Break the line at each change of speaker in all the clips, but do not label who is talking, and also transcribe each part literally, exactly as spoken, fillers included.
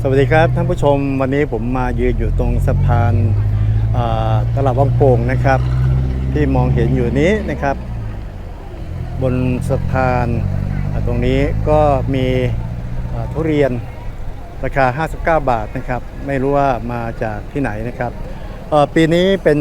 วัสดีครับท่านผู้ชมวันนี้ผมมายืนอยู่ตรงสะพานตลาดวังโป่งนะครับที่มองเห็นอยู่นี้นะครับบนสะพานตรงนี้ก็มีทุเรียนราคาห้าสิบเก้าบาทนะครับไม่รู้ว่ามาจากที่ไหนนะครับปีนี้เป็น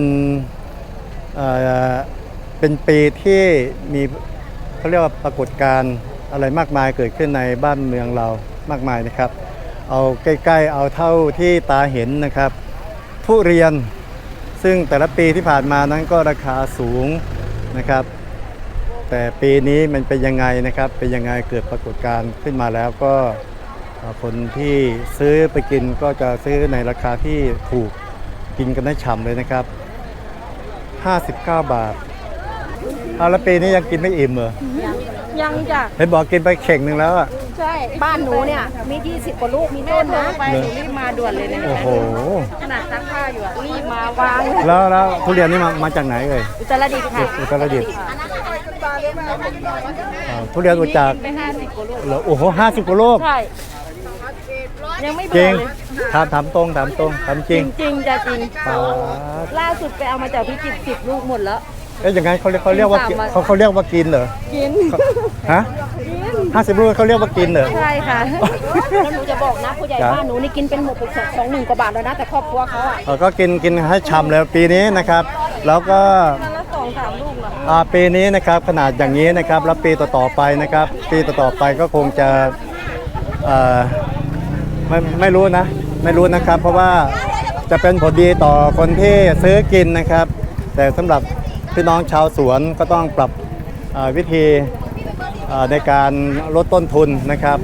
เป็นปีที่มีเขาเรียกว่าปรากฏการณ์อะไรมากมายเกิดขึ้นในบ้านเมืองเรามากมายนะครับเอาใกล้ๆเอาเท่าที่ตาเห็นนะครับทุเรียนซึ่งแต่ละปีที่ผ่านมานั้นก็ราคาสูงนะครับแต่ปีนี้มันเป็นยังไงนะครับเป็นยังไงเกิดปรากฏการณ์ขึ้นมาแล้วก็คนที่ซื้อไปกินก็จะซื้อในราคาที่ถูกกินกันได้ฉ่ำเลยนะครับห้าสิบเก้าบาทเอาแล้วปีนี้ยังกินไม่อิ่มเหรอ
ยังจ้ะ
เห็นบอกกินไปเข่งหนึ่งแล้วอ่ะ
ใช่บ้านหนูเนี่ยมียี่สิบกว่าลูกมีต้นนะไปหนูรีบมาด่วนเลยนะ
โอ้โห
ขนาดซักผ้าอยู่อ่ะรีบมาวาง
แล้วแล้วทุเรียนนี่มามาจากไหนเอ่ย
อุตรดิตถ์ค่ะ
อุตรดิตถ์ทุเรียนมาจาก
ไปห้าสิบกว่าลูก
โอ้โหห้าสิบกว่าลูก
ใช่ยังไม่เ
บื่อเลยถามถามตรงถามตรงถามจริง
จริงจะจริงล่าสุดไปเอามาจากพิจิตรสิบลูกหมดแล้ว
เอ๊ะอย่างไงเขาเรียกเขาเรียกว่าเขาเขาเรียกว่ากินเหรอ
กิน
ฮะห้าสิบลูกเขาเรียกว่ากินเหรอ
ใช่ค่ะแล้วหนูจะบอกนะผู้ใหญ่บ้านหนูนี่กินเป็นหมดสองหนึ่งกว่าบาทแล้วนะแต่ครอบครัวเขาอ่ะ
ก็กินกินให้ฉ่ำเลยปีนี้นะครับแล้วก็
ละสองสามลูกละ
อ่าปีนี้นะครับขนาดอย่างนี้นะครับแล้วปีต่อๆไปนะครับปีต่อๆไปก็คงจะเอ่อไม่ไม่รู้นะไม่รู้นะครับเพราะว่าจะเป็นผลดีต่อคนที่ซื้อกินนะครับแต่สำหรับพี่น้องชาวสวนก็ต้องปรับวิธีในการลดต้นทุนนะครับ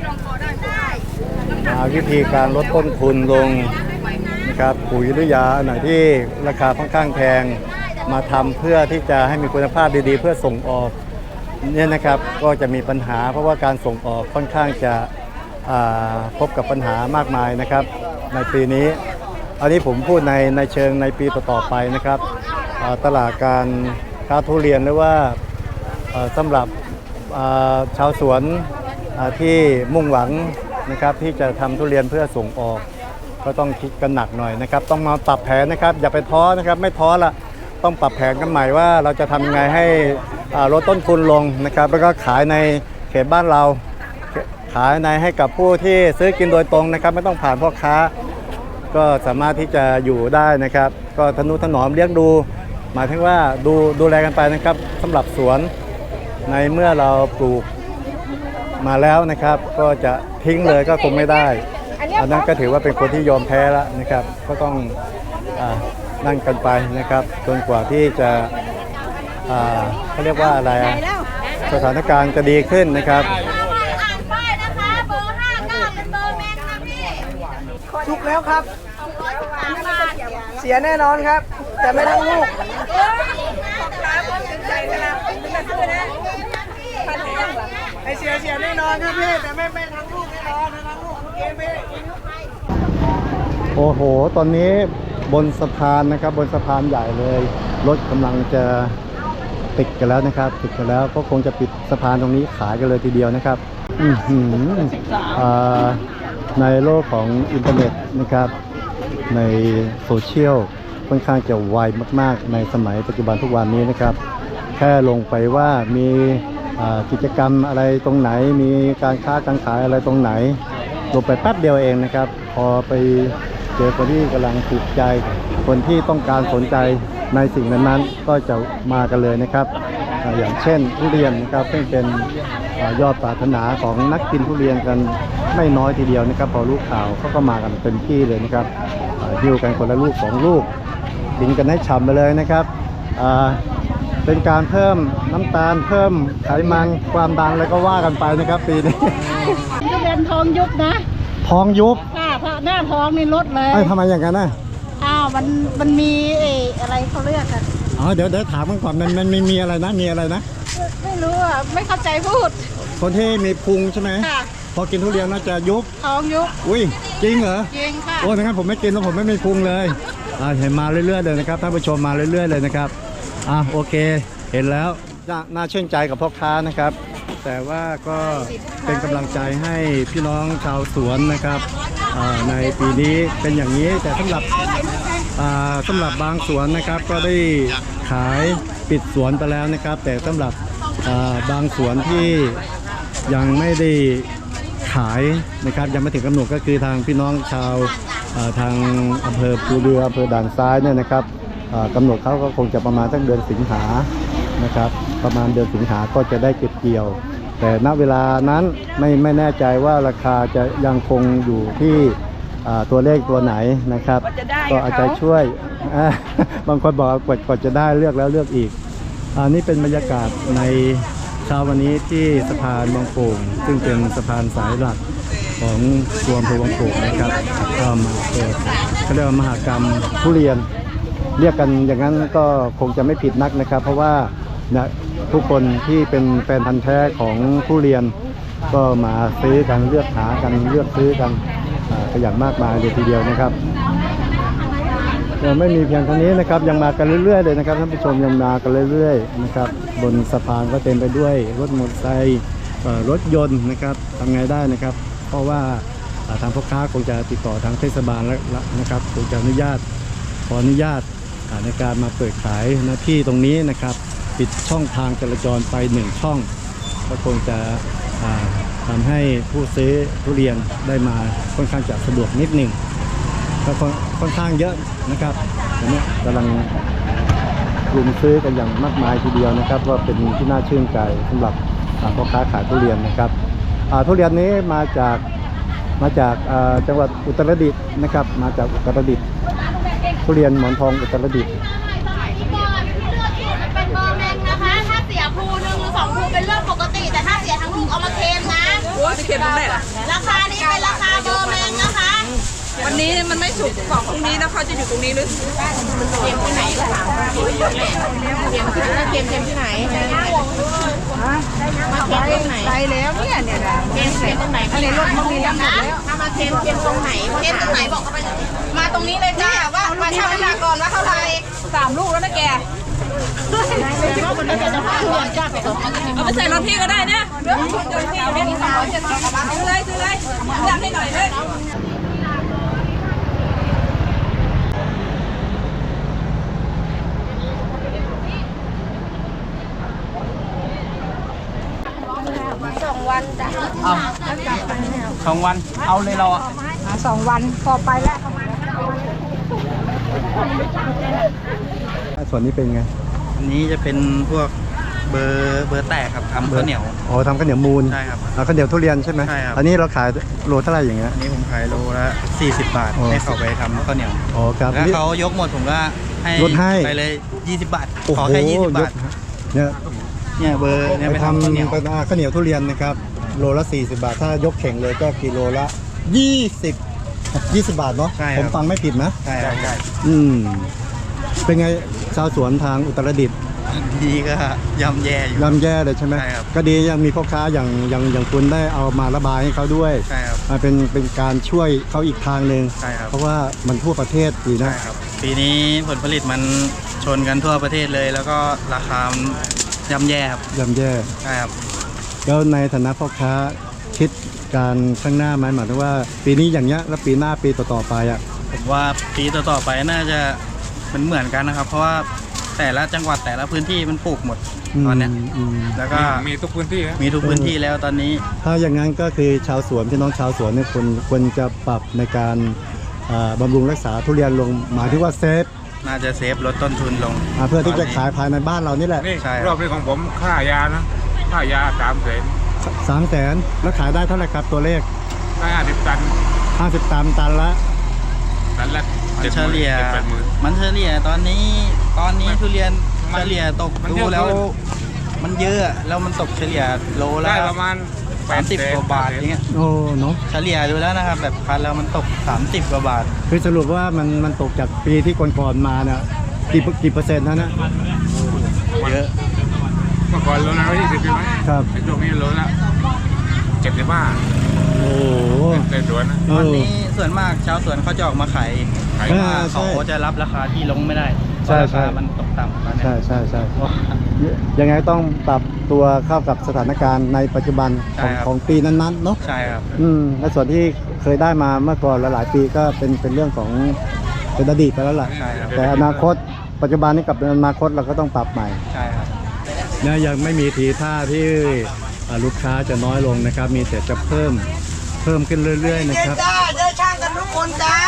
วิธีการลดต้นทุนลงนะครับปุ๋ยหรือยาไหนที่ราคาค่อนข้างแพงมาทำเพื่อที่จะให้มีคุณภาพดีๆเพื่อส่งออกเนี่ยนะครับก็จะมีปัญหาเพราะว่าการส่งออกค่อนข้างจะพบกับปัญหามากมายนะครับในปีนี้อันนี้ผมพูดในในเชิงในปีต่อๆไปนะครับตลาดการค้าทุเรียนหรือว่าสำหรับชาวสวนที่มุ่งหวังนะครับที่จะทำทุเรียนเพื่อส่งออกก็ต้องคิดกันหนักหน่อยนะครับต้องมาปรับแผนนะครับอย่าไปท้อนะครับไม่ท้อละต้องปรับแผนกันใหม่ว่าเราจะทำยังไงให้ลดต้นทุนลงนะครับแล้วก็ขายในเขตบ้านเราขายในให้กับผู้ที่ซื้อกินโดยตรงนะครับไม่ต้องผ่านพ่อค้าก็สามารถที่จะอยู่ได้นะครับก็ทนุถนอมเลี้ยงดูหมายถึงว่าดูดูแลกันไปนะครับสำหรับสวนในเมื่อเราปลูกมาแล้วนะครับก็จะทิ้งเลยก็คงไม่ได้อันนั้นก็ถือว่าเป็นคนที่ยอมแพ้แล้วนะครับก็ต้องอ่านั่งกันไปนะครับจนกว่าที่จะอ่าเขาเรียกว่าอะไรสถานการณ์จะดีขึ้นนะครับ
สุกแล้วครับเสียแน่นอนครับแต่ไม่ทั้งลูกไอเสียเสียแน่นอนครับพี่แต่ไม่ไม่ทั้งลูกแน่นอนทั้งลูกเกมพี่
โอ้โหตอนนี้บนสะพานนะครับบนสะพานใหญ่เลยรถกำลังจะติดกันแล้วนะครับติดกันแล้วก็คงจะปิดสะพานตรงนี้ขายกันเลยทีเดียวนะครับอือหือในโลกของอินเทอร์เน็ตนะครับในโซเชียลค่อนข้างจะไวมากๆในสมัยปัจจุบันทุกวันนี้นะครับแค่ลงไปว่ามีกิจกรรมอะไรตรงไหนมีการค้าการขายอะไรตรงไหนลงไปแป๊บเดียวเองนะครับพอไปเจอคนที่กำลังถูกใจคนที่ต้องการสนใจในสิ่งนั้นๆก็จะมากันเลยนะครับอย่างเช่นทุเรียนนะครับซึ่งเป็นยอดปรารถนาของนักกินทุเรียนกันไม่น้อยทีเดียวนะครับพอรู้ข่าวเขาก็มากันเต็มที่เลยนะครับหิ้วกันคนละลูกสองลูกกินกันให้ฉ่ำไปเลยนะครับเป็นการเพิ่มน้ำตาลเพิ่มไขมันความดันอะไรก็ว่ากันไปนะครับปีนี้
ทุเรียนทองยุบนะ
ทองยุบ
ค่ะเพราะหน้าท้องนี่ลดเลย
ทำไมอย่างนั้นน่ะ
อ้าวมันมันมีอะไรเขาเรียกกัน
อ๋อเดี๋ยวเดี๋ยวถามกันก่อนมันมันมีอะไรนะมีอะไรนะ
ไม่รู้อ่ะไม่เข้าใจพูด
คนที่มีพุงใช่ไหม
ค่ะ
พอกินทุเรียนน่าจะยุบ
ท้องยุบ
อุ้ยจริงเหรอ
จริงค่ะ
โอ้ยงั้นผมไม่กินแล้วผมไม่มีพุงเลยอ่าเห็นมาเรื่อยๆเลยนะครับท่านผู้ชมมาเรื่อยๆเลยนะครับอ่าโอเคเห็นแล้วน่าชื่นใจกับพ่อค้านะครับแต่ว่าก็เป็นกำลังใจให้พี่น้องชาวสวนนะครับอ่าในปีนี้เป็นอย่างนี้แต่สำหรับอ่าสำหรับบางสวนนะครับก็ได้ขายปิดสวนไปแล้วนะครับแต่สำหรับอ่าบางสวนที่ยังไม่ได้ขายนะครับยังไม่ถึงกำหนดก็คือทางพี่น้องชาวอ่าทางอำเภอภูเรืออำเภอด่านซ้ายเนี่ยนะครับอ่ากำหนดเขาก็คงจะประมาณสักเดือนสิงหานะครับประมาณเดือนสิงหาก็จะได้เก็บเกี่ยว แต่ณเวลานั้นไม่ไม่แน่ใจว่าราคาจะยังคงอยู่ที่อ่าตัวเลขตัวไหนนะครับก็อาจจะช่วยอ่าบางคนบอกว่ากว่ากว่าจะได้เลือกแล้วเลือกอีกอันนี้เป็นบรรยากาศในเช้าวันนี้ที่สะพานบางโป่งซึ่งเป็นสะพานสายหลักของตัวอำเภอบางโป่งนะครับก็มาเปิดเขาเรียกว่ามหกรรมทุเรียนเรียกกันอย่างนั้นก็คงจะไม่ผิดนักนะครับ เพราะว่านะทุกคนที่เป็นแฟนพันธุ์แท้ของทุเรียนก็มาซื้อกันเลือกหากันเลือกซื้อกันอ่าก็อย่างมากมายเลยทีเดียวนะครับยังไม่มีเพียงเท่านี้นะครับยังมากันเรื่อยๆเลยนะครับท่านผู้ชมยังมากันเรื่อยๆนะครับบนสะพานก็เต็มไปด้วยรถมอเตอร์ไซค์เอ่อรถยนต์นะครับทำไงได้นะครับ เพราะว่าอ่าทางพ่อค้าคงจะติดต่อทางเทศบาลแล้วนะครับคงจะอนุญาตขออนุญาตอ่าในการมาเปิดขายหน้าที่ตรงนี้นะครับปิดช่องทางจราจรไปหนึ่งช่องก็คงจะอ่าทำให้ผู้ซื้อทุเรียนได้มาค่อนข้างจะสะดวกนิดหนึ่งก็ค่อนค่อนข้างเยอะนะครับตอนนี้กำลังรุมซื้อกันอย่างมากมายทีเดียวนะครับว่าเป็นที่น่าชื่นใจสำหรับอ่าพ่อค้าขายทุเรียนนะครับอ่าทุเรียนนี้มาจากมาจากอ่าจังหวัดอุตรดิตถ์นะครับมาจากอุตรดิตถ์ทุเรียนหมอนทองอุตรดิตถ์
เป็นเบอร์แมงนะคะ ถ้าเสียภูหนึ่งหรือสองภูเป็นเรื่องปกติ แต่ถ้าเสียทั้งลูกเอามาเค็มนะ
โอ้ยเค็มตรงไหนล่ะ
ราคานี้เป็นราคาเบอร์แมงนะคะ
วันนี้มันไม่สุกของพรุ่งนี้นะเขาจะอยู่ตรงนี้หรือ
เค็มที่ไหนก็ถามเค็มที่ไหนเค็มที่ไหนเค็มเค็มที่ไหนมาเค็มตรงไหน
ไปแล้วเนี่ยเนี่ยนะ
เค็มเค็มตรงไหนอันนี้รถมันมีน้ำหนักแล้วถ้ามาเค็มเค็มตรงไหน
เค็มตรงไหนบอกเขาไปเลยมาตรงนี้เลยจ้าว่ามาชั่งน้ำหนักก่อนว่าเท่าไหร่
สามลูกแล้วนะแก
มันจะจะพาเพื่อนจ้าไปตรงนั้น
เอาไปใส่รถพี่ก็ได้นะเดี๋ยวเดี๋ยวพี่เอาไปสองร้อยเจ็ดสิบซื้อเลยซื้อเลยอยากให้หน่อยเลย
สองวันจ้ะ
เอาสองวันเอาเลยเราอ่ะ
สองวันพอไปแล้ว
ส่วนนี้เป็นไง
อันนี้จะเป็นพวกเบอร์เบอร์แตกครับทำข้าวเหนียว
อ๋อทำข้าวเหนียวมูล
ใช่ครับ
อ่าข้าวเหนียวทุเรียนใช่ไหม
ใช่ครับ
อันนี้เราขายโลเท่าไหร่อย่างเงี้ย
อันนี้ผมขายโลละสี่สิบบาท
อ๋อ
ให้เขาไปทำข้าวเหนียว
อ๋อครับ
แล้วเขายกหมดผมก็ให้
ลดให้
ไปเลยยี่สิบบาท
โอ้โห
ขอแค่ยี่สิบบาท
เนี่ย
เนี่ยเบอร์เนี่ย
ไป
ไป
ทำ
ทำข้าวเหนียว
เป็นอ่าข้าวเหนียวทุเรียนนะครับโลละสี่สิบบาทถ้ายกเข่งเลยก็กิโลละยี่สิบ ยี่สิบบาทเนาะ
ใช่ครับ
ผมฟังไม่ผิดนะ
ใช่ครับใช่
อืมเป็นไงชาวสวนทางอุตรดิตถ์
ดีก็ย่ำแย่อยู่
ย่ำแย่เลยใช่ไหม
ใช่ครับ
ก็ดียังมีพ่อค้าอย่างอย่างอย่างคุณได้เอามาระบายให้เขาด้วย
ใช่ครับ
อ่าเป็นเป็นการช่วยเขาอีกทางหนึ่ง
ใช่ครับ
เพราะว่ามันทั่วประเทศดีนะ
ใช่ครับปีนี้ผลผลิตมันชนกันทั่วประเทศเลย แล้วก็ราคามันย่ำแย่ครับ
ย่ำแย่
ใช่ครับ
แล้วในฐานะพ่อค้าคิดการข้างหน้าไหมหมายถึงว่า ปีนี้อย่างเงี้ยแล้วปีหน้าปีต่อๆไปอ่ะ
ผมว่าปีต่อๆไปน่าจะมันเหมือนกันนะครับ เพราะว่าแต่ละจังหวัดแต่ละพื้นที่มันปลูกหมดตอนเนี้ย
มอืม
แล้วก็
มีทุกพื้นที่นะ
มีทุกพื้นที่แล้วตอนนี้
ถ้าอย่างนั้นก็คือชาวสวนพี่น้องชาวสวนเนี่ยควรควรจะปรับในการอ่าบำรุงรักษาทุเรียนลงหมายถึงว่าเซฟ
น่าจะเซฟลดต้นทุนลง
อ่าเพื่อที่จะขายภายในบ้านเรานี่แหละ
นี่
ใช่ครับ
รอบนี้ของผมค่ายานะค่ายาสามแสน
สามแสนแล้วขายได้เท่าไหร่ครับตัวเลข
ได้ห้าสิบตัน
ห้าสิบตันตันละ
ตันละ
มันเฉลี่ย
จ็ดแปดหมื่น
มันเฉลี่ยตอนนี้ตอนนี้ทุเรียน
มัน
เฉลี่ยตก
มัน
ดู
เยอะ
แล้ว
ขึ้น
มันเยอะแล้วมันตกเฉลี่ยโลละ
ได้ประมาณแป
สา
ด
มสิบ
แสน
กว่าบาทอย่างเงี้ย
โอ้เนาะ
เฉลี่ยดูแล้วนะครับแบบคันแล้วมันตกสามสิบกว่าบาท
คือสรุปว่ามันมันตกจากปีที่ก่อนๆมาเนี่ยกี่กี่เปอร์เซ็นต์นะนะ
เยอะ
เมื่อก่อนโลละร้อยยี่สิบใช่ไหม
ครับ
ไอ้ช่วงนี้โลละเจ็ดสิบห้า
โอ้โห
ในสวนนะ
ตอนนี้ส่วนมากชาวสวนเขาจะออกมาขาย
ขาย
เพราะว่า
ใช่
เขาจะรับราคาที่ลงไม่ได้เพ
ใช่
ราะรา
ใช่
คามันตกต่ำตอนเนี้ย
ใช่ใช่ใช่ยังไงต้องปรับตัวเข้ากับสถานการณ์ในปัจจุบันของของปีนั้นๆเนาะ
ใช่ครับ
อืมในส่วนที่เคยได้มาเมื่อก่อนหลายๆปีก็เป็นเป็นเรื่องของเป็นอดีตไปแล้วล่ะ
ใช่ครับ
แต่อนาคตปัจจุบันนี้กับอนาคตเราก็ต้องปรับใหม่
ใช่ครับ
นะยังไม่มีทีท่าที่อ่าลูกค้าจะน้อยลงนะครับ มีแต่จะเพิ่มเพิ่มขึ้นเรื่อยๆนะครับ
จ้าเจอช่างกันทุกคนจ้า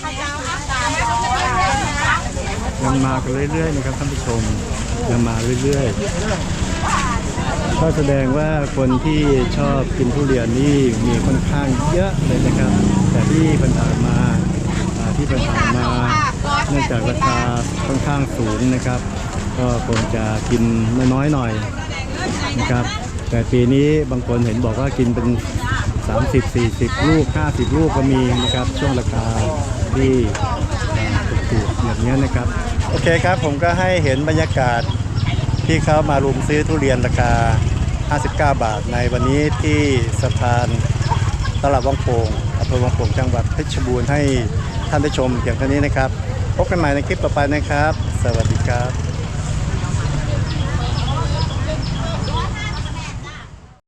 ยังมากันเรื่อยๆนะครับท่านผู้ชมยังมาเรื่อยๆก็แสดงว่าคนที่ชอบกินทุเรียนนี่มีค่อนข้างเยอะเลยนะครับ แต่ที่ผ่านมาอ่าที่ผ่านมาเนื่องจากราคาค่อนข้างสูงนะครับ ก็คงจะกินน้อยๆหน่อยนะครับ แต่ปีนี้บางคนเห็นบอกว่ากินเป็นสามสิบ สี่สิบลูกห้าสิบลูกก็มีนะครับช่วงราคาที่ถูกๆอย่างนี้นะครับโอเคครับผมก็ให้เห็นบรรยากาศที่เขามารุมซื้อทุเรียนราคาห้าสิบเก้าบาทในวันนี้ที่สะพานตลาดวังโป่งอำเภอวังโป่งจังหวัดเพชรบูรณ์ให้ท่านได้ชมเพียงเท่านี้นะครับพบกันใหม่ในคลิปต่อไปนะครับสวัสดีครับ